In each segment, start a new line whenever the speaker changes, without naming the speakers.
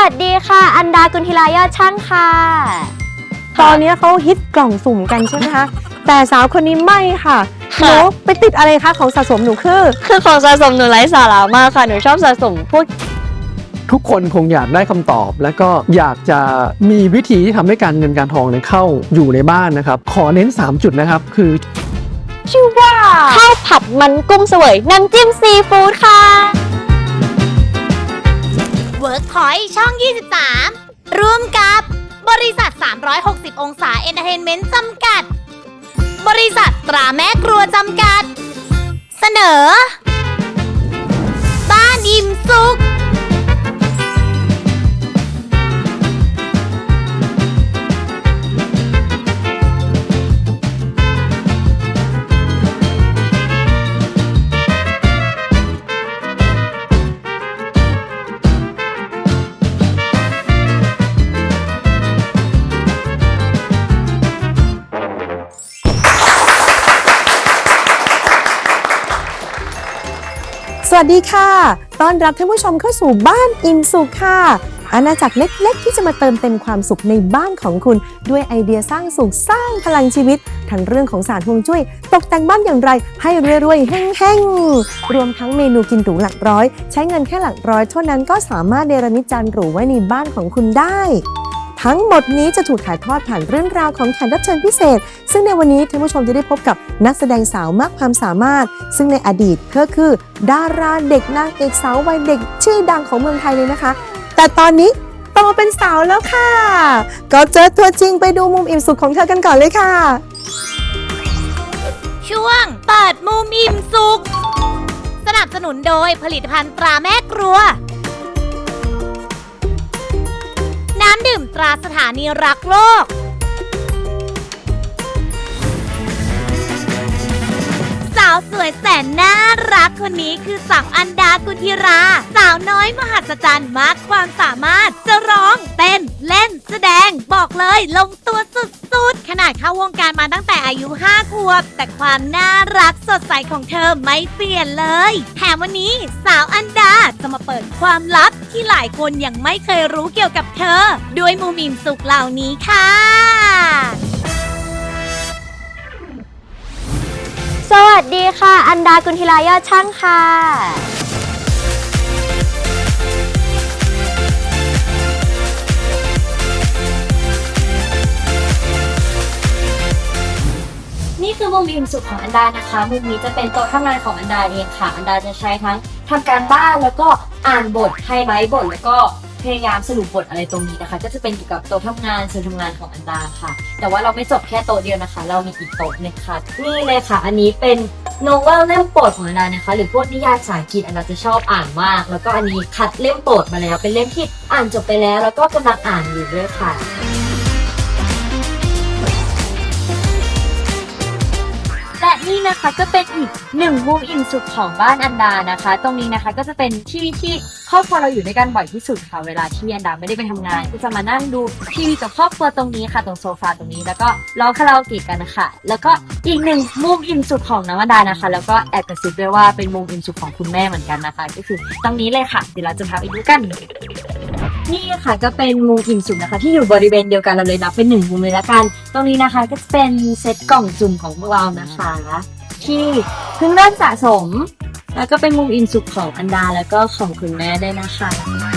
สดีค่ะอันดากุลธิรายอดช่างค่ะ
ตอนนี้เขาฮิตกล่องสุ่มกันใช่ไหมคะ แต่สาวคนนี้ไม่ค่ะหนูไปติดอะไรคะของสะสมหนูคือ
ของสะสมหนูไร้สาระมากค่ะหนูชอบสะสมพวก
ทุกคนคงอยากได้คำตอบและก็อยากจะมีวิธีที่ทำให้การเงินการทองเข้าอยู่ในบ้านนะครับขอเน้น3จุดนะครับคือ
ชื่อว่าข้าวผัดมันกุ้งเสวยน้ำจิ้มซีฟู้ดค่ะ
Workpoint ช่อง 23 ร่วมกับบริษัท 360 องศาเอนเตอร์เทนเมนต์จำกัด บริษัทตราแม่ครัวจำกัด เสนอ บ้านอิ่มสุข
สวัสดีค่ะต้อนรับท่านผู้ชมเข้าสู่บ้านอิ่มสุขค่ะอาณาจักรเล็กๆที่จะมาเติมเต็มความสุขในบ้านของคุณด้วยไอเดียสร้างสุขสร้างพลังชีวิตทั้งเรื่องของศาสตร์ฮวงจุ้ยตกแต่งบ้านอย่างไรให้รวยๆแห้งๆรวมทั้งเมนูกินหรูหลักร้อยใช้เงินแค่หลักร้อยเท่านั้นก็สามารถเนรมิตจานหรูไว้ในบ้านของคุณได้ทั้งหมดนี้จะถูกถ่ายทอดผ่านเรื่องราวของแขกรับเชิญพิเศษซึ่งในวันนี้ท่านผู้ชมจะได้พบกับนักแสดงสาวมากความสามารถซึ่งในอดีตก็คือดาราเด็กนางเอกสาววัยเด็กชื่อดังของเมืองไทยเลยนะคะแต่ตอนนี้โตเป็นสาวแล้วค่ะก็เจอตัวจริงไปดูมุมอิ่มสุขของเธอกันก่อนเลยค่ะ
ช่วงเปิดมุมอิ่มสุขสนับสนุนโดยผลิตภัณฑ์ตราแม่ครัวน้ำดื่มตราสถานีรักโลกสาวสวยแสนน่ารักคนนี้คือสาวอันดากุลธิราสาวน้อยมหัศจรรย์มากความสามารถจะร้องเต้นเล่นแสดงบอกเลยลงตัวสุดๆขนาดเข้าวงการมาตั้งแต่อายุ5 ขวบแต่ความน่ารักสดใสของเธอไม่เปลี่ยนเลยแถมวันนี้สาวอันดาจะมาเปิดความลับที่หลายคนยังไม่เคยรู้เกี่ยวกับเธอด้วยมุมอิ่มสุขเหล่านี้ค่ะ
สวัสดีค่ะอันดากุลธิรายอดช่างค่ะ
นี่คือมุมอิ่มสุขของอันดานะคะมุมนี้จะเป็นโต๊ะทำงานของอันดาเองค่ะอันดาจะใช้ทั้งทำการบ้านแล้วก็อ่านบทไฮไลท์บทแล้วก็พยายามสรุปบทอะไรตรงนี้นะคะก็จะเป็นเกี่ยวกับโต๊ะทำงานส่วนทำงานของอันดาค่ะแต่ว่าเราไม่จบแค่โต๊ะเดียวนะคะเรามีอีกโต๊ะนึงค่ะนี่เลยค่ะอันนี้เป็นโนเวลเล่มโปรดของอันดานะคะหรือพวกนิยายภาษาอังกฤษอันดาจะชอบอ่านมากแล้วก็อันนี้คัดเล่มโปรดมาแล้วเป็นเล่มที่อ่านจบไปแล้วแล้วก็กำลังอ่านอยู่ด้วยค่ะและนี่นะคะก็เป็นอีกหนึ่งมุมอิ่มสุขของบ้านอันดานะคะตรงนี้นะคะก็จะเป็นที่ครอบครัวเราอยู่ด้วยกันบ่อยที่สุดค่ะเวลาที่อันดาไม่ได้ไปทำงานก็จะมานั่งดูทีวีกับครอบครัวตรงนี้ค่ะตรงโซฟาตรงนี้แล้วก็ร้องคาราโอเกะกันนะคะแล้วก็อีกหนึ่งมุมอิ่มสุขของน้องอันดานะคะแล้วก็แอบกระซิบด้วยว่าเป็นมุมอิ่มสุขของคุณแม่เหมือนกันนะคะก็คือตรงนี้เลยค่ะเดี๋ยวเราจะพาไปดูกันนี่ค่ะก็เป็นมุมอิ่มสุขนะคะที่อยู่บริเวณเดียวกันเราเลยนับเป็น1มุมเลยละกันตรงนี้นะคะก็จะเป็นเซตกล่องจุ่มของพวกเรานะคะที่เพิ่งเริ่มสะสมแล้วก็เป็นมุมอิ่มสุขของอันดาแล้วก็ของคุณแม่ได้นะคะ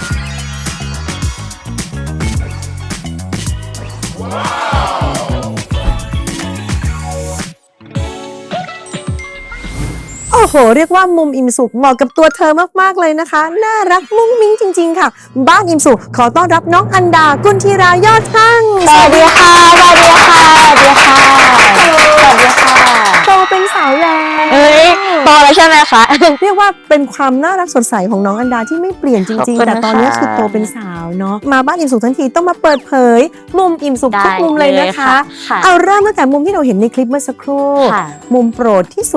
โอ้โหเรียกว่ามุมอิ่มสุขเหมาะกับตัวเธอมากๆเลยนะคะน่ารักมุ้งมิ้งจริงๆค่ะบ้านอิ่มสุขขอต้อนรับน้องอันดากุลธิรายอดช่าง
สวัสดีค่ะสวัสดีค่ะสวัสดีค่ะสวัสดีค่ะ
โตเป็นสาวแล้ว
โตแล้วใช่ไหมคะ
เรียกว่าเป็นความน่ารักสดใสของน้องอันดาที่ไม่เปลี่ยนจริงๆแต่ตอนนี้คือโตเป็นสาวเนาะมาบ้านอิ่มสุขทั้งทีต้องมาเปิดเผยมุมอิ่มสุขทุกมุมเลยนะคะเอาเริ่มตั้งแต่มุมที่เราเห็นในคลิปเมื่อสักครู่มุมโปรดที่สุด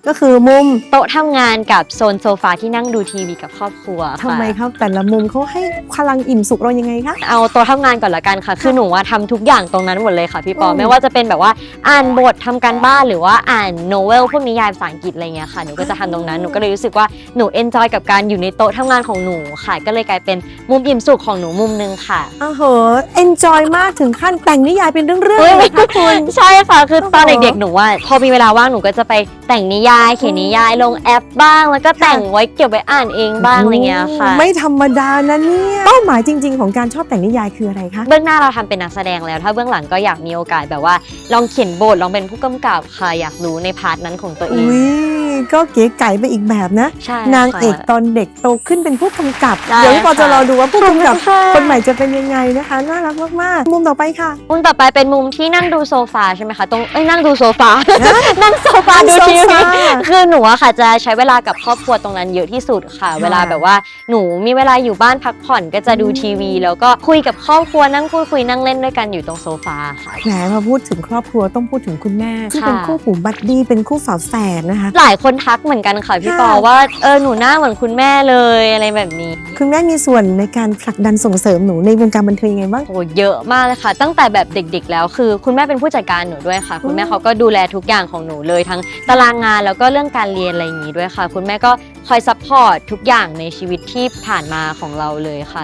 ก็คือมุม
โต๊ะทำงานกับโซนโซฟาที่นั่งดูทีวีกับครอบครัวค่ะ
ทำไมครับแต่ละมุมเขาให้พลังอิ่มสุขเรายังไงคะ
เอาโต๊ะทำงานก่อนละกันค่ะ คือหนูทำทุกอย่างตรงนั้นหมดเลยค่ะพี่ปอ
อืม
ไม่ว่าจะเป็นแบบว่าอ่านบททำการบ้านหรือว่าอ่านโนเวลพวกนิยายภาษาอังกฤษอะไรเงี้ยค่ะหนูก็จะทำตรงนั้นหนูก็เลยรู้สึกว่าหนูเอนจอยกับการอยู่ในโต๊ะทำงานของหนูค่ะก็เลยกลายเป็นมุมอิ่มสุขของหนูมุมนึงค่ะ
อ้าวเหอะเอนจอยมากถึงขั้นแต่งนิยายเป็นเรื่องๆเลยนะคะคุณ
ใช่ค่ะคือตอน
โอ้โห
เด็กๆหนูว่าพอมีเวลาว่างหนูก็จะไปแต่งนิยายเขียนนิยายลงแอปบ้าง แล้วก็แต่งไว้เก็บไว้อ่านเองบ้างอะไรเงี้ยค่ะ
ไม่ธรรมดานะเนี่ยเป้าหมายจริง ๆ ของการชอบแต่งนิยายคืออะไรคะ
เบื้องหน้าเราทำเป็นนักแสดงแล้วถ้าเบื้องหลังก็อยากมีโอกาสแบบว่าลองเขียนบทลองเป็นผู้กำกับค่ะอยากรู้ในพาร์ทนั้นของตัวเอง
อุ้ยก็เก๋ไก่ไปอีกแบบนะ
ใช่
นางเอก
ค่ะ
ตอนเด็กโตขึ้นเป็นผู้กำกับ
ใช่
เดี๋ยวพี่ปอจะรอดูว่าผู้กำกับ
ค่ะ
คนใหม่จะเป็นยังไงนะคะ น่ารักมากๆ มุมต่อไปค่ะ
มุมต่อไปเป็นมุมที่นั่งดูโซฟาใช่ไหมคะตรงนั่งดูโซฟา นั่งโซฟา
นั่ง
ดู
โซ
ที
ฟา
วีคือหนูอะค่ะจะใช้เวลากับครอบครัวตรงนั้นเยอะที่สุดค่ะ เวลาแบบว่าหนูมีเวลาอยู่บ้านพักผ่อนก็จะดูทีวี แล้วก็คุยกับครอบครัวนั่งพูดคุยนั่งเล่นด้วยกันอยู่ตรงโซฟาค่ะ
แหมพอพูดถึงครอบครัวต้องพูดถึงคุณแม่ที่
ค่ะ
เป็นคู่หูบัดดี้เป็นคู่ฝาแฝดนะคะ
หลายคนทักเหมือนกันค่ะพี่ปอ
ค่ะ
ว่าหนูหน้าเหมือนคุณแม่เลยอะไรแบบนี้
คุณแม่มีส่วนในการผลักดันส่งเสริมหนูในวงการบันเทิงยังไงบ้าง
โอ้เยอะมากเลยค่ะ ตั้งแต่แบบเด็กๆแล้วคือคุณแม่เป็นผู้จัดการหนูด้วยค่ะ คุณแม่เขาก็ดูแลทุกอย่างของหนูเลยทั้งตารางงานแล้วก็เรื่องการเรียนอะไรอย่างนี้ด้วยค่ะ คุณแม่ก็คอยซัพพอร์ตทุกอย่างในชีวิตที่ผ่านมาของเราเลยค่ะ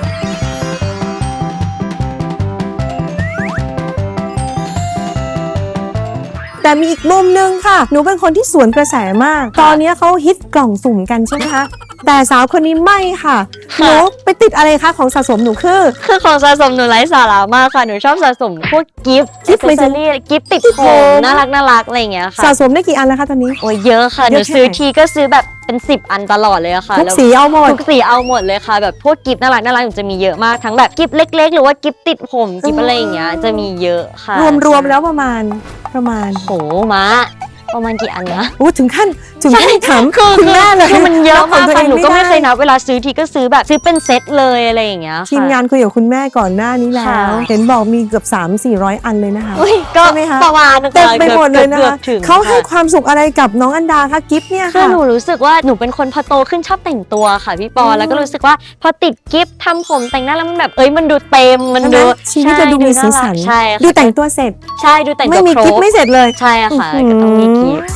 แต่มีอีกมุมหนึงค่ะ หนูเป็นคนที่สวนกระแสมาก ตอนนี้เขาฮิตกล่องสุ่มกันใช่ไหมคะ แต่สาวคนนี้ไม่ค่ะ หนูไปติดอะไรคะของสะสมหนูคือ
คือของสะสมหนูไร้สาระมากค่ะ หนูชอบสะสมพวกกิฟต์
กิฟต์เลยจ้ะ
กิฟต์ติดผม น่ารักอะไรอย่างเงี้ยค่ะ
สะสมได้กี่อันแล้วคะตอนนี้
โอ้ยเยอะค่ะ ห
เย
นู
อะแค่
ซื้อ
ไหน
ทีก็ซื้อแบบเป็น10 อันตลอดเลยอะค่ะ
ทุก
แล้ว
สีเอาหมด
ทุกสีเอาหมดเลยค่ะ แบบพวกกิฟต์น่ารักหนูจะมีเยอะมากทั้งแบบกิฟต์เล็ก ๆ หรือว่ากิฟต์ติดผมกิฟต์อะไรอย่างเงี้ยจะมีเยอะค่ะ
รวมแล้วประมาณ
โหม้าประมาณกี่อันนะ
โอ้ถึงขั้นถาม
คือ
คุณแม่เลย
คือมันเยอะมาก
บขงตัว
ค่ะ
ง
หนูก็ไม่
ด้
เคยนับเวลาซื้อทีก็ซื้อแบบซื้อเป็นเซตเลยอะไรอย่างเงี้ยค่ะ
ทีมงานคุยกับคุณแม่ก่อนหน้านี้แล้ว
ค่ะ
เห็นบอกมีเกือบ 300-400 อันเลยนะคะ
อุ๊ยก็
ใช่ไหมคะ
ประมาณนึง
เต็ม
ค่ะ
ไปหมดเลยนะ
กือ
คะ
บถึง
เขาให้
ค่ะ
ความสุขอะไรกับน้องอันดาคะกิฟต์เนี่ย
คือ
ค่ะ
หนูรู้สึกว่าหนูเป็นคนพอโตขึ้นชอบแต่งตัวค่ะพี่ปอ แล้วก็รู้สึกว่าพอติดกิฟต์ทำผมแต่งหน้าแล้วมันแบบมันดูเต็มมัน
ใช่ไหม
ดู
ชีวิตจะดูมีสีสัน
ใช่
ดู
ค่ะ
แต่งตัวเสร็จ
ใช่ดูแต่งตัว
ไม่มี
ครบ
กิฟต์ไม่เสร็จเลย
ใช่ค่ะ
อื้อหือ
ก็ต้องมีกิฟต์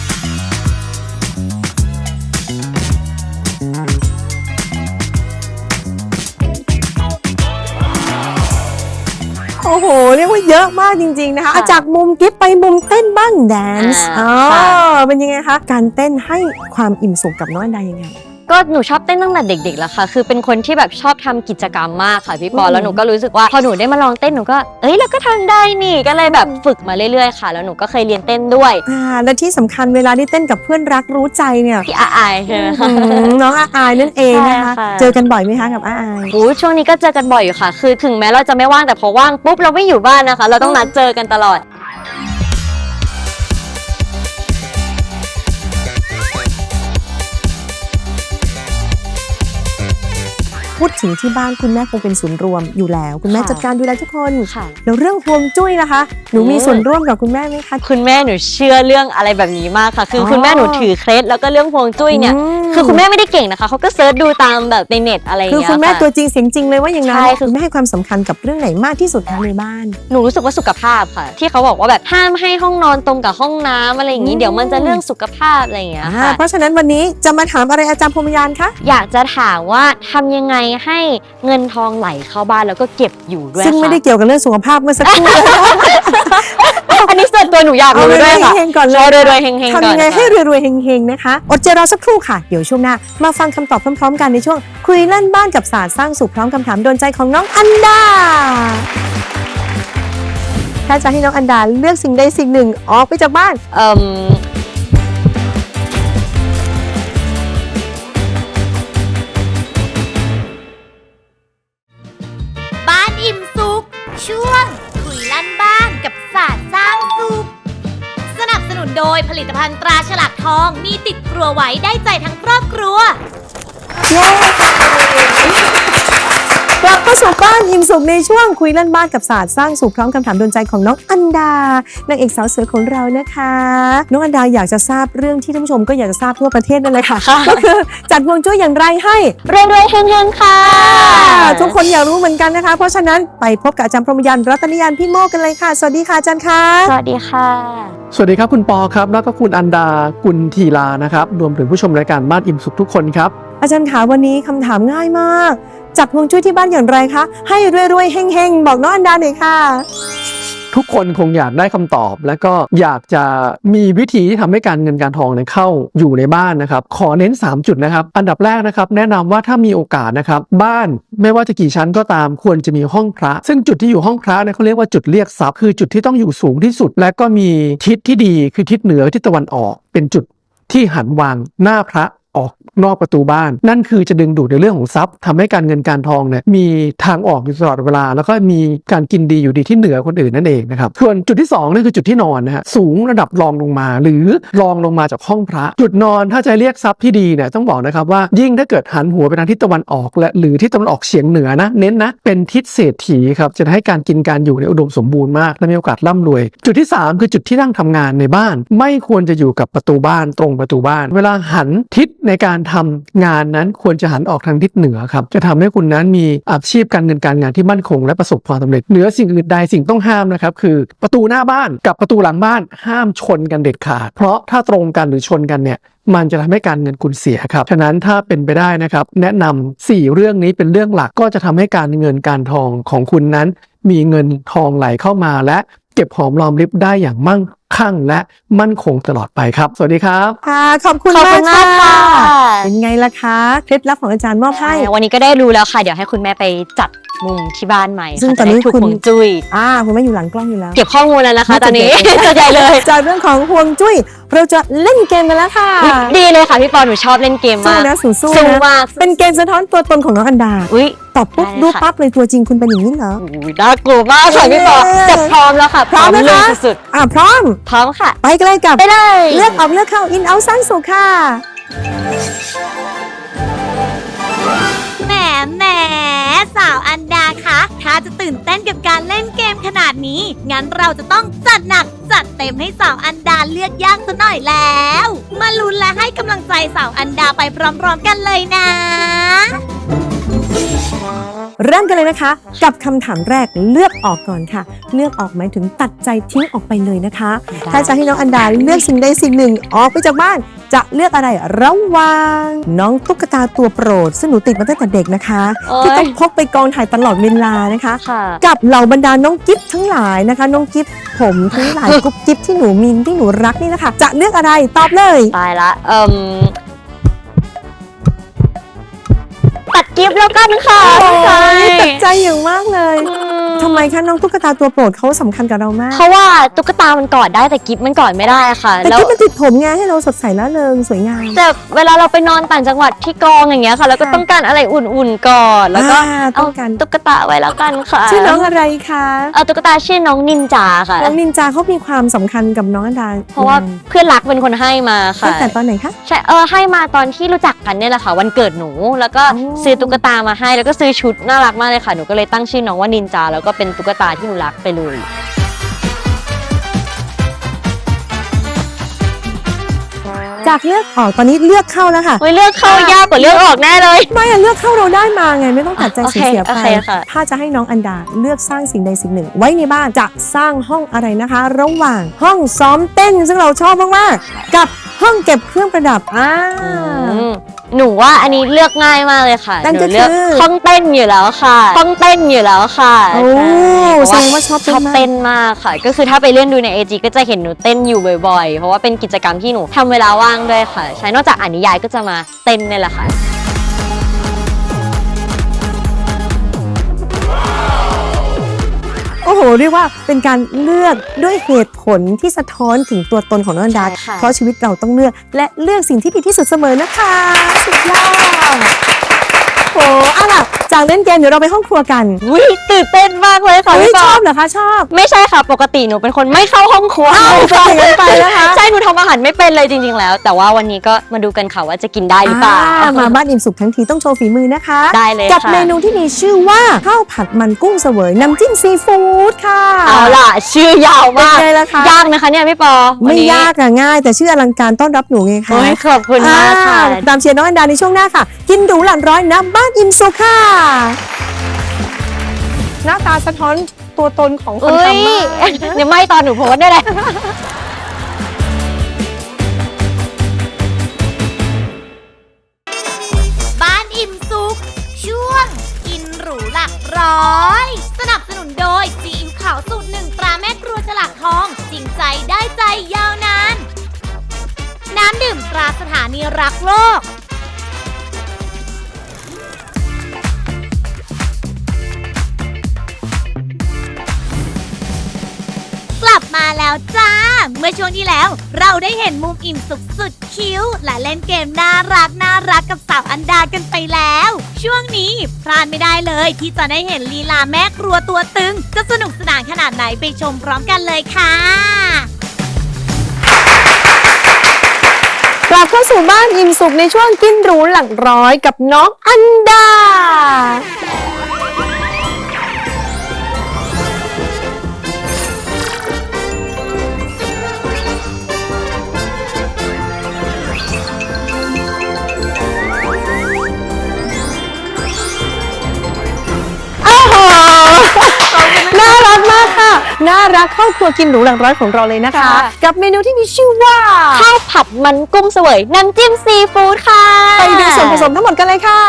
โอ้โห เรียกว่าเยอะมากจริง ๆ นะคะ
ค่ะ
อ่ะจากมุมกิฟต์ไปมุมเต้นบ้างแดนซ์
อ่า
อ๋อ
ค่ะ
เป็นยังไงคะ การเต้นให้ความอิ่มสุขกับน้องอันดายังไง
ก็หนูชอบเต้นตั้งแต่เด็กๆแล้วค่ะ คือเป็นคนที่แบบชอบทำกิจกรรมมากค่ะพี่ปอ
อืม
แล้วหนูก็รู้สึกว่าพอหนูได้มาลองเต้นหนูก็เราก็ทำได้นี่ก็เลยแบบฝึกมาเรื่อยๆค่ะ แล้วหนูก็เคยเรียนเต้นด้วย
และที่สำคัญเวลาที่เต้นกับเพื่อนรักรู้ใจเนี่ย
พี่อายใช่ไหมคะ
น้องอาอายนั่นเองนะคะ
ใช่ค่ะ
เจอกันบ่อยไหมคะกับอาอาย
โอ้ช่วงนี้ก็เจอกันบ่อยอยู่ค่ะ คือถึงแม้เราจะไม่ว่างแต่พอว่างปุ๊บเราไม่อยู่บ้านนะคะ เราต้องนัดเจอกันตลอด
พูดถึงที่บ้านคุณแม่คงเป็นศูนย์รวมอยู่แล้ว คุณแม่
ค่ะ
จัดการดูแลทุกคน
ค่ะ
แล้วเรื่องฮวงจุ้ยนะคะ หนูมีส่วนร่วมกับคุณแม่ไหมคะ
คุณแม่หนูเชื่อเรื่องอะไรแบบนี้มากค่ะ คืออ
อ
คุณแม่หนูถือเคล็ดแล้วก็เรื่องพวงจุ้ยเนี่ย คือคุณแม่ไม่ได้เก่งนะคะเขาก็เซิร์ชดูตามแบบในเน็ตอะไรอย่าง
คือ
เงี้ย
คุณแม่
ค่ะ
ตัวจริงเสียงจริงเลยว่าอย่างนั้น
ใช่คือ
คุณแม่ให้ความสำคัญกับเรื่องไหนมากที่สุดคะในบ้าน
หนูรู้สึกว่าสุขภาพค่ะ ที่เขาบอกว่าแบบห้ามให้ห้องนอนตรงกับห้องน้ำอะไรอย่างนี้เดี๋ยวมันจะเรื่องสุขภาพอะไรอย่างเงี้ยค่ะ
เพราะฉะนั้นวันนี้จะมาถามอะไรอาจารย์พรหมยานคะ
อยากจะถามว่าทำยังไงให้เงินทองไหลเข้าบ้านแล้วก็เก็บอยู่ด้วย
ซึ่งไม่ได้
ค่ะ
เกี่ยวกับเรื่องสุขภาพเมื่อสักครู่
อันนี้ส่วนตัวหนูอยาก
เอา
รู้
เลย
ด้วยค่ะ
เฮงๆก่อนเล
รอย รวยๆเฮงๆก่อน
ทำยังไงให้
ค่ะ
รวยๆเฮงๆนะคะ อดใจรอสักครู่ค่ะ เดี๋ยวช่วงหน้ามาฟังคำตอบพร้อมๆกันในช่วงคุยเล่นบ้านกับศาสตร์สร้างสุขพร้อมคำถามโดนใจของน้องอันดา ถ้าจะให้น้องอันดาเลือกสิ่งใดสิ่งหนึ่งออกไปจากบ้าน
บ้านอิ่มสุข ช่วง คุยลั่นบ้านกับศาสตร์สร้างสุข สนับสนุนโดยผลิตภัณฑ์ตราฉลากทองมีติดครัวไว้ได้ใจทั้งครอบครัว
กลับเข้าสู่บ้านอิ่มสุขในช่วงคุยเล่นบ้านกับศาสตร์สร้างสุขพร้อมคำถามโดนใจของน้องอันดานางเอกสาวสวยของเรานะคะน้องอันดาอยากจะทราบเรื่องที่ท่านผู้ชมก็อยากจะทราบทั่วประเทศนั่นเลยค่ะก็คือจัดฮวงจุ้ยอย่างไรให้
รวยๆเฮงๆค่ะ
ทุกคนอยากรู้เหมือนกันนะคะ เพราะฉะนั้นไปพบกับอาจารย์พรหมยานรัตนยานพี่โมกกันเลยค่ะสวัสดีค่ะอาจารย์คะ
สวัสดีค่ะ
สวัสดีครับคุณปอครับแล้วก็คุณอันดากุลทีลานะครับรวมถึงผู้ชมรายการบ้านอิ่มสุขทุกคนครับ
อาจารย์คะวันนี้คำถามง่ายมากจัดฮวงจุ้ยที่บ้านอย่างไรคะให้รวยๆเฮงๆบอกน้องอันดาหน่อยค่ะ
ทุกคนคงอยากได้คำตอบ และก็อยากจะมีวิธีที่ทำให้การเงินการทองเนี่ยเข้าอยู่ในบ้านนะครับขอเน้น3จุดนะครับอันดับแรกนะครับแนะนำว่าถ้ามีโอกาสนะครับบ้านไม่ว่าจะกี่ชั้นก็ตามควรจะมีห้องพระซึ่งจุดที่อยู่ห้องพระเนี่ยเขาเรียกว่าจุดเรียกทรัพย์คือจุดที่ต้องอยู่สูงที่สุด และก็มีทิศที่ดีคือทิศเหนือทิศตะวันออกเป็นจุดที่หันวางหน้าพระออกนอกประตูบ้านนั่นคือจะดึงดูดในเรื่องของทรัพย์ทำให้การเงินการทองเนี่ยมีทางออกอยู่ตลอดเวลาแล้วก็มีการกินดีอยู่ดีที่เหนือคนอื่นนั่นเองนะครับส่วนจุดที่2นั่นคือจุดที่นอนนะฮะสูงระดับรองลงมาหรือรองลงมาจากห้องพระจุดนอนถ้าจะเรียกทรัพย์ที่ดีเนี่ยต้องบอกนะครับว่ายิ่งถ้าเกิดหันหัวไปทางทิศตะวันออกและหรือทิศตะวันออกเฉียงเหนือนะเน้นนะเป็นทิศเศรษฐีครับจะให้การกินการอยู่ในอุดมสมบูรณ์มากและมีโอกาสร่ำรวยจุดที่3คือจุดที่นั่งทำงานในบ้านไม่ควรจะอยู่กับประตูบ้านตรงประตูบ้านเวลาหันทิศในการทำงานนั้นควรจะหันออกทางทิศเหนือครับจะทำให้คุณนั้นมีอาชีพการเงินการงานที่มั่นคงและประสบความสำเร็จเหนือสิ่งอื่นใดสิ่งต้องห้ามนะครับคือประตูหน้าบ้านกับประตูหลังบ้านห้ามชนกันเด็ดขาดเพราะถ้าตรงกันหรือชนกันเนี่ยมันจะทำให้การเงินคุณเสียครับฉะนั้นถ้าเป็นไปได้นะครับแนะนำ4เรื่องนี้เป็นเรื่องหลักก็จะทำให้การเงินการทองของคุณนั้นมีเงินทองไหลเข้ามาและเก็บหอมรอมริบได้อย่างมั่งคั่งและมั่นคงตลอดไปครับสวัสดีครับ
ค่ะขอบคุณ
ขอบ
มา
คุ
ก
ณมาก
ค่ะ
ค่ะ
เป็นไงล่ะคะเคล็ดลับของอาจารย์มอบให้
วันนี้ก็ได้รู้แล้วค่ะ เดี๋ยวให้คุณแม่ไปจัดมุมที่บ้านใหม่
ซึ่ง
ค่ะ
ตอนนี้
จะได้ถูก
คุณ
ฮวงจุ้ย
คุณแม่อยู่หลังกล้องอยู่แล้ว
เก็บข้อมูลแล้วนะคะ ตอนนี้ จะใหญ่เลย
จากเรื่องของฮวงจุ้ยเราจะเล่นเกมกันแล้วค่ะ
ดีเลยค่ะพี่ปอหนูชอบเล่นเกม
สู้
มาก
นะสู้
สู้
นะ
มาก
เป็นเกมสะท้อนตัวตนของน้องอันดา
อุ้ย
ตอบปุ๊บ
ได้
รู้
ค่ะ
ปั๊บเลยตัวจริงคุณเป็นอย่างนี้เหรอ
อุ๊ยน่ากลัวมากค่ะพี่ปอแต่พร้อมแล้วค่ะ
พร้อมนะคะ
เลยสุด
พร้อม
ๆพร้อมค่ะ
ไปกันเลยกับ
ไปเลย
เลือกออกเลือกเข้าอินเอาสร้างสุขค่ะ
แหมสาวอันดาคะถ้าจะตื่นเต้นกับการเล่นเกมขนาดนี้ งั้นเราจะต้องจัดหนักจัดเต็มให้สาวอันดาเลือกยากซะหน่อยแล้ว มาลุ้นและให้กำลังใจสาวอันดาไปพร้อมๆกันเลยนะ
เริ่มกันเลยนะคะ กับคำถามแรกเลือกออกก่อนค่ะ เลือกออกหมายถึงตัดใจทิ้งออกไปเลยนะคะ ถ้าจะให้น้องอันดาเลือกสิ่งใดสิ่งหนึ่งออกไปจากบ้าน จะเลือกอะไรระหว่างน้องตุ๊กตาตัวโปรดซึ่งหนูติดมาตั้งแต่เด็กนะคะ
โอ๊ย
ที่ต้องพกไปกองถ่ายตลอดเวลานะคะ
ค่ะ
กับเหล่าบรรดาน้องกิฟทั้งหลายนะคะ น้องกิฟผมทั้งหลาย กุ๊บกิฟที่หนูมินที่หนูรักนี่นะคะ จะเลือกอะไรตอบเลย
ตายละตัดกิฟต์แล้วกันค่ะ
โอ้ย
ใช่
ตัดใจอย่างมากเลยทำไมคะน้องตุ๊กตาตัวโปรดเขาสำคัญกับเรามาก
เพราะว่าตุ๊กตามันกอดได้แต่กิฟต์มันกอดไม่ได้ค่ะ
แต่
แล้ว
กิ๊บมันติดผมไงให้เราสดใสแล้วเริงสวยงาม
แต่เวลาเราไปนอนต่างจังหวัดที่กองอย่างเงี้ยค่ะ แล้วก็ต้องการอะไรอุ่นๆก่อนแล้วก็
ต้
เอา
องการ
ตุ๊กตาไว้แล้วกันค่ะ
ชื่อน้องอะไรคะ
เอาตุ๊กตาชื่อน้องนินจาค่ะ
น้องนินจาเขามีความสำคัญกับน้องอันดา
เพราะว่าเพื่อนรักเป็นคนให้มาค่ะ
ตั้งแต่ตอนไหนคะ
ใช่ให้มาตอนที่รู้จักกันเนี่ยแหละค่ะ วันเกิดหนูแล้วก็
อ๋อ
ซื้อตุ๊กตามาให้แล้วก็ซื้อชุดน่ารักมากเลยค่ะหนูก็เลยตั้งชื่อน้องว่านินจาแล้วก็เป็นตุ๊กตาที่หนูรักไปเลย
จากเลือกออกตอนนี้เลือกเข้าแล้วค่ะ
เลือกเข้ายากกว่าเลือกออกแน่เลย
ไม่อะเลือกเข้าเราได้มาไงไม่ต้องตัดใจ
โอเค
เสียๆ
โอ
ไป
เคค่ะ
ถ้าจะให้น้องอันดาเลือกสร้างสิ่งใดสิ่งหนึ่ง ไว้ในบ้านจะสร้างห้องอะไรนะคะ ระหว่างห้องซ้อมเต้นซึ่งเราชอบมากๆกับห้องเก็บเครื่องประดับ
หนูว่าอันนี้เลือกง่ายมากเลยค่ะ
นั่น
ห
ก็
นูเลือก
คือ
ห้องเต้นอยู่แล้วค่ะห้องเต้นอยู่แล้วค่ะ
โอ้
ใช่
แสดงว่าชอบ
ชอบ
เต้
เต้
น
น
มาก
มากค่ะ ก็คือถ้าไปเล่นดูใน AG ก็จะเห็นหนูเต้นอยู่บ่อยๆ เพราะว่าเป็นกิจกรรมที่หนูทำเวลาว่างด้วยค่ะ ใช้นอกจากอ่านนิยายก็จะมาเต้นนี่แหละค่ะ
โอ้โหเรียกว่าเป็นการเลือกด้วยเหตุผลที่สะท้อนถึงตัวตนของน้องอันดา
ใช่ค่ะ
เพราะชีวิตเราต้องเลือกและเลือกสิ่งที่ดีที่สุดเสมอนะคะสุดยอดโอ้เอาล่ะจากเล่นเกมเดี๋ยวเราไปห้องครัวกัน
อุ้ยตื่นเต้นมากเลยค่ะ
เฮ้ย
พี่ป
ช
อ
อบเหรอคะชอบ
ไม่ใช่ค่ะ ปกติหนูเป็นคนไม่เข้าห้องครัว
ไปกันไปนะคะ
ใช่หนูทำอาหารไม่เป็นเลยจริงๆแล้ว แต่ว่าวันนี้ก็มาดูกันค่ะว่าจะกินได้หรือเปล่า
มาบ้านอิ่มสุขทั้งทีต้องโชว์ฝีมือนะคะ
ได้เลย
กับ
ค่ะ
เมนูที่มีชื่อว่าข้าวผัดมันกุ้งเสวยน้ำจิ้มซีฟู้ดค่ะ
เอาล่ะ ชื่อยาว
เป็น
มาก
ไงล่ะคะ
ยากนะคะเนี่ยพี่ปอวัน
ไม่
นี้
ยากอะง่าย แต่ชื่ออลังการต้อนรับหนูไงคะ
โอ้ยขอบคุณมากค่ะ
ตามเชียร์น้องอันดาในช่วงหน้าค่ะ กินหรูหลังร้อยน้ำบ้านอิ่มสุขค่ะ หน้าตาสะท้อนตัวตนของคน
เอ้ย
ทำมาก
เดี๋ยวไม่ตอนหนูโพสต์ได้เลย
บ้านอิ่มสุขช่วงกินหรูหลักร้อย สนับสนุนโดยซีอิ๊วขาวสูตรหนึ่งตราแม่ครัวฉลากทอง จริงใจได้ใจยาวนาน น้ำดื่มตราสถานีรักโลก กลับมาแล้วจ้า เมื่อช่วงที่แล้วเราได้เห็นมุมอิ่มสุขสุดคิ้ว และเล่นเกมน่ารักกับสาวอันดากันไปแล้ว ช่วงนี้พลาดไม่ได้เลยที่จะได้เห็นลีลาแม่ครัวตัวตึง จะสนุกสนานขนาดไหนไปชมพร้อมกันเลยค่ะ
กลับเข้าสู่บ้านอิ่มสุขในช่วงกินหรูหลักร้อยกับน้องอันดา โอ้โห น่ารักมากค่ะ น่ารักครอบครัวกินหรูหลักร้อยของเราเลยนะคะ
ค่ะ
กับเมนูที่มีชื่อว่า
ข้าวผัดมันกุ้งเสวยน้ำจิ้มซีฟู้ดค่ะ
ไปดูส่วนผสมทั้งหมดกันเลยค่ะ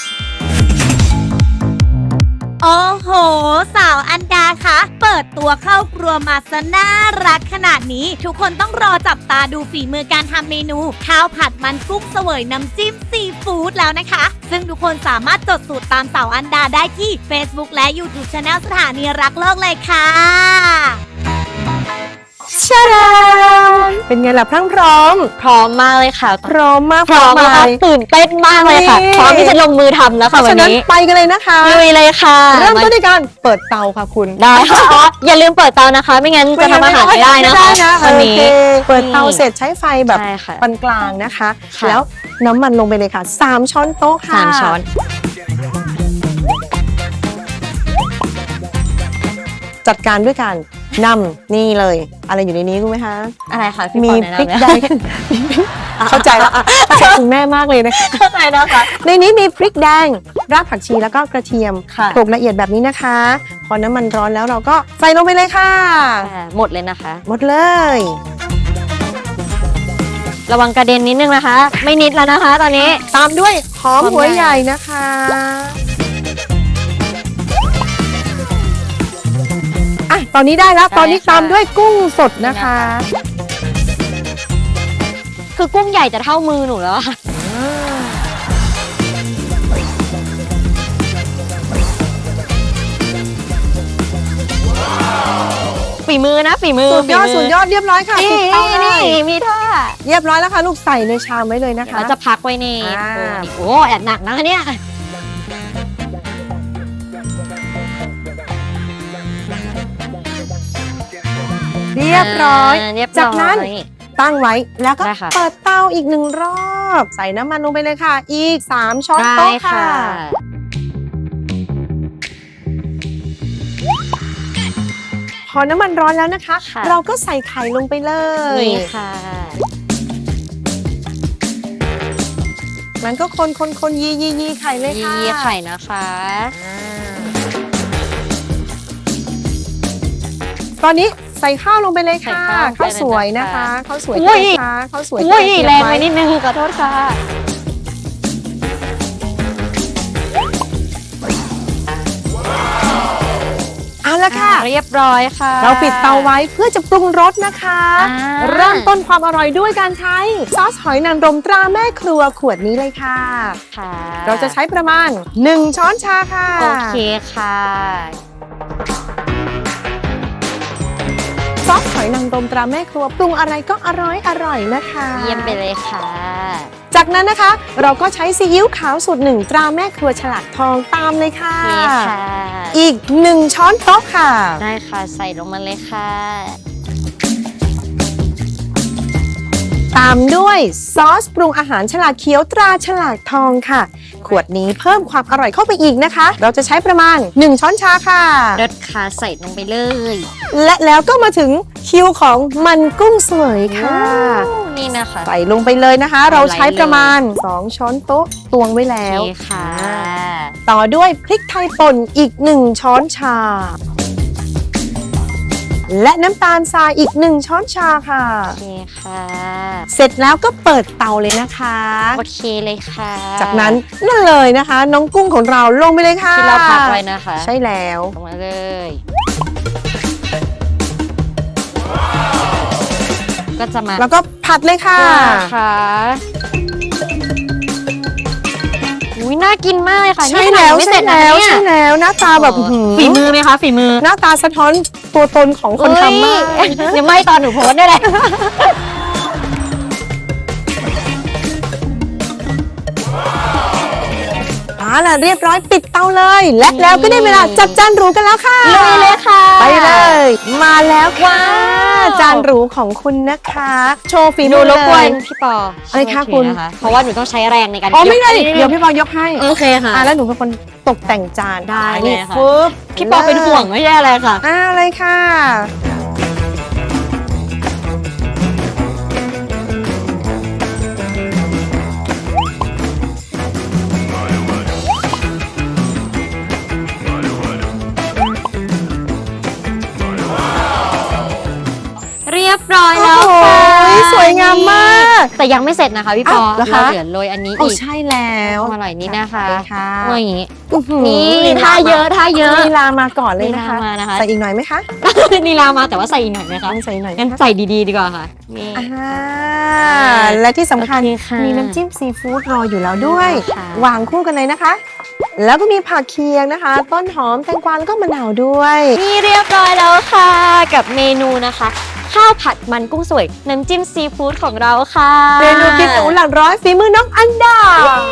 โอ้โห สาวอันดาคะ เปิดตัวเข้าครัวมาซะน่ารักขนาดนี้ ทุกคนต้องรอจับตาดูฝีมือการทำเมนู ข้าวผัดมันกุ้งเสวยน้ำจิ้มซีฟู้ดแล้วนะคะ ซึ่งทุกคนสามารถจดสูตรตามสาวอันดาได้ที่ Facebook และ YouTube Channel สถานีรักโลกเลยค่ะ
ชาดาเป็นไงล่ะพรั่งพร้อม
พร้อมมากเลยค่ะ
พร้อมมาก
พร้อม
มา
แล้ว
ย
ตื่นเต้นมากเลยค่ะ
นี่
พร้อมที่จะลงมือทำแล้ว
เพ
ค่ะ
ราะ
วั
ฉะ
น
นั้น
นี้
ไปกันเลยนะคะ
ลุยเลยค่ะ
เริ่มต้นด้วยการเปิดเตาค่ะคุณ
ได้ค่ะอ๋ออย่าลืมเปิดเตานะคะ ไม่งั้นจะทำอาหารไม่ได้นะคะ วันนี้
โอเคเปิดเตาเสร็จใช้ไฟแบบ
ใช่ค่ะ
ปานกลางนะคะ
ค่ะ
แล้วน้ำมันลงไปเลยค่ะ 3 ช้อนโต๊ะค่ะ
3 ช้อน
จัดการด้วยการนำนี่เลย อะไรอยู่ในนี้รู้ไหมคะ
อะไรคะพี่
มี
ปอแนะ
พริก
นำ
แด
เลย
ง เข้าใจแล้วเข้าใจคุณแม่มากเลยนะคะ
เข้าใจนะคะ
ในนี้มีพริกแดง รากผักชีแล้วก็กระเทียม
ค่ะ
โขลกละเอียดแบบนี้นะคะ พอน้ำมันร้อนแล้วเราก็ใส่ลงไปเลยค่ะ
หมดเลยนะคะ
หมดเลย
ระวังกระเด็นนิดนึงนะคะ ไม่นิดแล้วนะคะ ตอนนี้
ตามด้วยหอม
หอม
หัว
ใหญ่
ใหญ่นะคะอ่ะตอนนี้ได้แล้ว ตอนนี้ตามด้วยกุ้งสดนะคะ
คือกุ้งใหญ่จะเท่ามือหนูแล้วอะค่ะฝีมือนะฝีมือ
สุดยอด
ฝีมื
สุดยอดเรียบร้อยค่ะ
นี่
ปิดเตาได้
นี่มีท่า
เรียบร้อยแล้วค่ะ ลูกใส่ในชามไว้เลยนะคะ
แล้วจะพักไว้ใน
อ่า
โอ้แอบหนักนะคะเนี่ย
เรียบร้อย
เรียบร้อย
จากนั้น ตั้งไว้แล้วก็
ได้ค่ะ
เปิดเตาอีก1 รอบ ใส่น้ำมันลงไปเลยค่ะ อีก 3 ช้อน
ได้
โต๊ะ
ค่ะ
ค่ะ พอน้ำมันร้อนแล้วนะคะ
ค่ะ
เราก็ใส่ไข่ลงไปเลย
นี่ค่ะ
มันก็คนยีไข่เลยค่ะ
ยีไข่นะคะ
ตอนนี้ใส่ข้าวลงไปเลยค่ะ
ใส่ข้าว
ข้าวสวยนะ
ไป
คะ
เลยนะคะ
ข้าวสวย
อุ้ย
นะคะข้าวสวย
อุ้ย
ที่
แรง
เต
ไป
ว้
นิดนึงขอโทษค่ะ
เอาละค่ะ
เรียบร้อยค่ะ
เราปิดเตาไว้เพื่อจะปรุงรสนะคะ
อ่า
เริ่มต้นความอร่อยด้วยการใช้ซอสหอยนางรมตราแม่ครัวขวดนี้เลยค่ะ
ค่ะ
เราจะใช้ประมาณ 1 ช้อนชาค่ะ
โอเคค่ะ
ซอสหอยนางรมตราแม่ครัวปรุงอะไรก็อร่อยนะคะ
เยี่ยมไปเลยค่ะ
จากนั้นนะคะ เราก็ใช้ซีอิ๊วขาวสูตร1 ตราแม่ครัวฉลากทองตามเลยค่ะ
โอเคค่ะ
อีก1 ช้อนโต๊ะค่ะ
ได้ค่ะใส่ลงมาเลยค่ะ
ตามด้วยซอสปรุงอาหารฉลากเขียวตราฉลากทองค่ะ ขวดนี้เพิ่มความอร่อยเข้าไปอีกนะคะ เราจะใช้ประมาณ1 ช้อนชาค่ะ
รสค่ะใส่ลงไปเลย
และแล้วก็มาถึงคิวของมันกุ้งสวยค่ะ
นี่นะคะ
ใส่ลงไปเลยนะคะ เราใช้ประมาณ2 ช้อนโต๊ะตวงไว้แล้
โอ
ว
เคค่ะ
ต่อด้วยพริกไทยป่นอีก1 ช้อนชา และน้ำตาลทรายอีก1 ช้อนชาค่ะ
โอเคค่ะ
เสร็จแล้วก็เปิดเตาเลยนะคะ
โอเคเลยค่ะ
จากนั้นนั่นเลยนะคะ น้องกุ้งของเราลงไปเลยค่ะ
ที่เราพักไว้นะคะ
ใช่แล้ว
ลงมาเลย ก็จะมา
แล้วก็ผัดเลยค่ะ
ค่ะอุ้ยน่ากินมากเลยค่ะ
ใช่
นี่ขนาด
แล้ว
ยังไม่เส
ใช่
ร็จนะ
แล้ว
เนี่ย
ใช่แล้วหน้าตาแบบ
ฝีมือไหมคะฝีมือ
หน้าตาสะท้อนตัวตนของคนทำมาก
เอ้ยเดี๋ยวไม่ตอนหนูโพสต์ได้เลย
ล่ะเรียบร้อยปิดเตาเลย และแล้วก็ได้เวลาจัดจานหรูกันแล้วค่ะ
ลุยเลยค่ะ
ไปเลย มาแล้วค่ะ
ว้าว
จานหรูของคุณนะคะ โชว์ฝี
หนู
มือ
รบกวน
เลย
พี่ปอ
อะไรคะ
ช่วย
คุณ
ถือนะเพราะว่าหนูต้องใช้แรงในการ
อ๋อไม่ได้
ก
เดี๋ยวพี่บอยยกให้
โอเคค่ะ
แล้วหนูเป็นคนตกแต่งจาน
ได้เลย
นี่
ค่ะ
ปึ๊บ
พี่ปอเป็นห่วงไม่ใช่อะไรค่ะ
เลยค่ะ
เรียบร้อย
โอ้
แล้ว
โห
ค่ะ
สวยงามมาก
แต่ยังไม่เสร็จนะคะพี่ปอ
อ้าวเหรอคะ
เราเหลือโรยอันนี้
โอ้
อีก
ใช่แล้ว
อร่อยนี่นะคะ
ค่ะ
ว่าอย่างนี้
อื้อหือ
นี่ท่าเยอะท่าเยอะ
ลีลามาก่อนเลยนะคะ
ลีลามานะคะ
ใส่อีกหน่อยไหมคะ
นีลามาแต่ว่าใส่อีกหน่อยไหมคะ
ต้องใส่หน่อย
งั้น
นะคะ
ใส่ดีๆดีกว่าค่ะนี่
และที่สำคัญ
โอเคค่ะ
มีน้ำจิ้มซีฟู้ดรออยู่แล้วด้วย
ค่ะ
วางคู่กันเลยนะคะ แล้วก็มีผักเคียงนะคะ ต้นหอมแตงกวาแล้วก็มะนาวด้วย
นี่เรียบร้อยแล้วค่ะ กับเมนูนะคะข้าวผัดมันกุ้งสวยน้ำจิ้มซีฟู้ดของเราค่ะ
เมนูพริกหนูหลักร้อยฝีมือน้องอันดา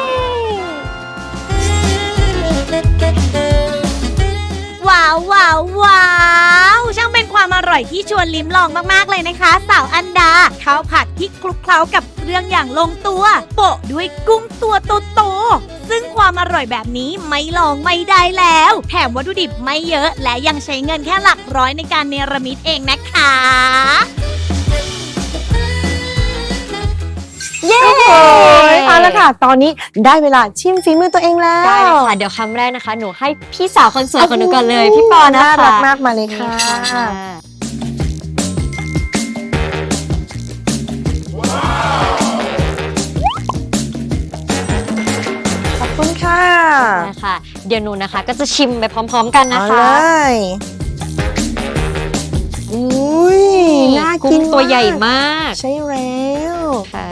ว้าวว้าวว้าวช่างเป็นความอร่อยที่ชวนลิ้มลองมากๆเลยนะคะ สาวอันดาข้าวผัดที่คลุกเคล้ากับเครื่องอย่างลงตัวโปะด้วยกุ้งตัวโตๆซึ่งความอร่อยแบบนี้ไม่ลองไม่ได้แล้ว แถมวัตถุดิบไม่เยอะ และยังใช้เงินแค่หลักร้อยในการเนรมิตเองนะคะ
เย้เอาละค่ะ ตอนนี้ได้เวลาชิมฝีมือตัวเองแล้ว
ได้เลยค่ะ เดี๋ยวคำแรกนะคะ หนูให้พี่สาวคนสวยของหนูก่อนเลย พี่ปอนะคะ
น่ารักมากมาเลยค่ะ
นี่ค่ะ
ขอบคุณค่ะ
นะคะ เดี๋ยวหนูนะคะ ก็จะชิมไปพร้อมๆกันนะ
เอา
คะ
เลยอุ้ยน่ากิน
กุ้งตัวใหญ่มาก
ใช่แล้ว
ค่ะ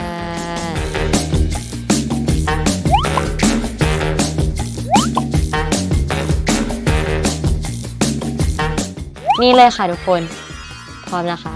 นี่เลยค่ะทุกคน พร้อมนะคะ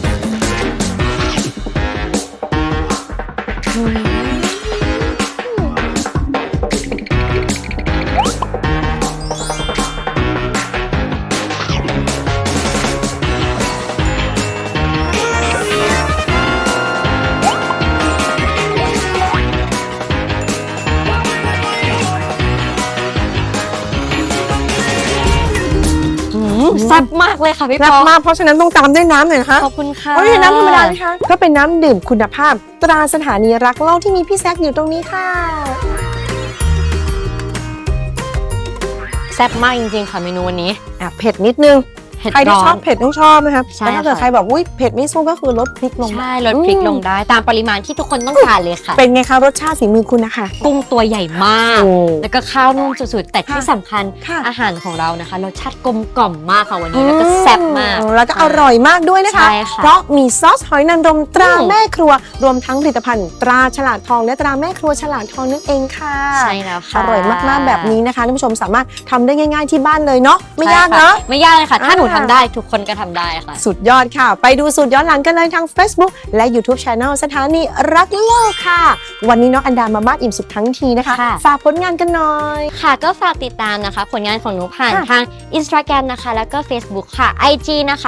แซ่บมากเลยค่ะพี่ป
รัก
อ
มากเพราะฉะนั้นต้องตามด้วยน้ำหน่อยนะคะ
ขอบคุณค่ะ
โอ้ยน้ำธรรมดาไหมคะก็เป็นน้ำดื่มคุณภาพ ตราสถานีรักโลกที่มีพี่แซคอยู่ตรงนี้ค่ะ
แซ่บมากจริงๆค่ะเมนูวันนี้
เผ็ดนิดนึง
เผ็ด
ใครที่
ร้อ
ชอน บเผ็ดต้องชอบนะครับ
ใช่
แต่ถ้าเกิด
ค่ะ
ใครแบบอุ้ยเผ็ดไม่สู้ก็คือลดพริกลง
ใช่ลดพริกลงได้ตามปริมาณที่ทุกคนต้องการเลยค่ะ
เป็นไงคะรสชาติฝีมือคุณนะคะ
กุ้งตัวใหญ่มาก
โอ้
แล้วก็ข้าวนุ่มสุดๆ แต่ที่
ค่ะ
สำคัญ
ค่ะ
อาหารของเรานะคะรสชาติกลมกล่อมมากค่ะวันนี้แล้วก็แซ่บมาก
แล้วก็อร่อยมากด้วยนะคะ
ใช่ค่ะ
เพราะมีซอสหอยนางรมตรา
อืม
แม่ครัว รวมทั้งผลิตภัณฑ์ตราฉลาดทองและตราแม่ครัวฉลาดทองนั่นเองค่ะ
ใช่แล้วค่ะ
อร่อยมากๆแบบนี้นะคะท่านผู้ชมสามารถทำได้ง่าย ๆที่บ้านเลยเนาะไม่ยาก
ใช่ค่
เนาะ
ไม่ยากเลยค่ะ ถ้าหนูทำได้ทุกคนก็ทำได้ค่ะ
สุดยอดค่ะ ไปดูสูตรย้อนหลังกันเลยทาง Facebook และ YouTube Channel สถานีรักโลกค่ะ วันนี้น้องอันดามาบ้านอิ่มสุขทั้งทีนะคะ
ค่ะ
ฝากผลงานกันหน่อย
ค่ะก็ฝากติดตามนะคะผลงานของหนูผ่าน
ค่ะ
ทาง Instagram นะคะแล้วก็ Facebook ค่ะ IG นะคะ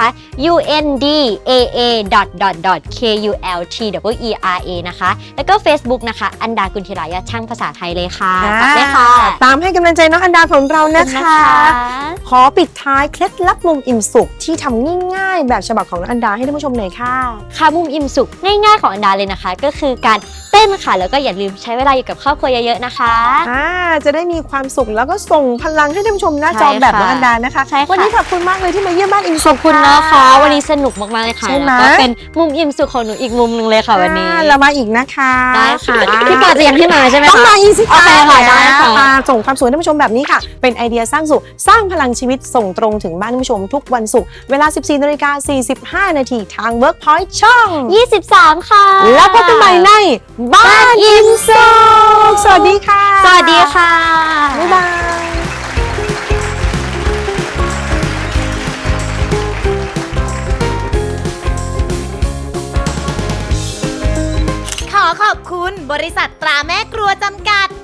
undaa.kultwera นะคะแล้วก็ Facebook นะคะอันดากุลธิรายะช่างภาษาไทยเลยค่ะฝากด้วยค่ะ
ตามให้กำลังใจน้องอันดาของเรานะ
ขอบณ
คะ ขอปิดท้ายเคล็ดลับมุมอิ่มสุขที่ทำง่ายๆ แบบฉบับของน้องอันดาให้ท่านผู้ชมหน่อยค่ะ
ค่ะมุมอิ่มสุขง่ายๆของอันดาเลยนะคะ ก็คือการเต้นค่ะแล้วก็อย่าลืมใช้เวลาอยู่กับครอบครัวเยอะๆนะคะ
จะได้มีความสุขแล้วก็ส่งพลังให้ท่านผู้ชมหน้าจอ
ใช่ค่ะ
แบบน้องอันดานะคะ
ใช่ค่ะ
วันนี้ขอบคุณมากเลยที่มาเยี่ยมบ้านอิ่ม
ข
สุ
อบ
ข
คุณนะคะวันนี้สนุกมากๆเลยค่ะ
ใช่ไหม
แล้วก็เป็นมุมอิ่มสุขของหนูอีกมุมหนึ่งเลยค่ะวันนี้
เรามาอีกนะคะ
ได้ค่ะพี่ปาจะยังให้มาใช่ไหม
ต้อง
คะ
มาอีกสิ
โอเคค่ะได้ค่ะ
มาส่งความสุขให้ท่านผู้ชมแบบนี้ค่ะ เป็นไอเดียสร้างสุขสร้างพลังชีวิตส่งตรงถึงบ้านท่านผู้ชมทุกวันศุกร์เวลา 14:45 น.ทาง Workpoint ช่อง
23 ค่ะ
แล้วพบกันใหม่ในบ้านอิ่มสุขสวัสดีค่ะ
สวัสดีค่ะ
บ๊ายบาย
ขอขอบคุณบริษัทตราแม่ครัวจำกัด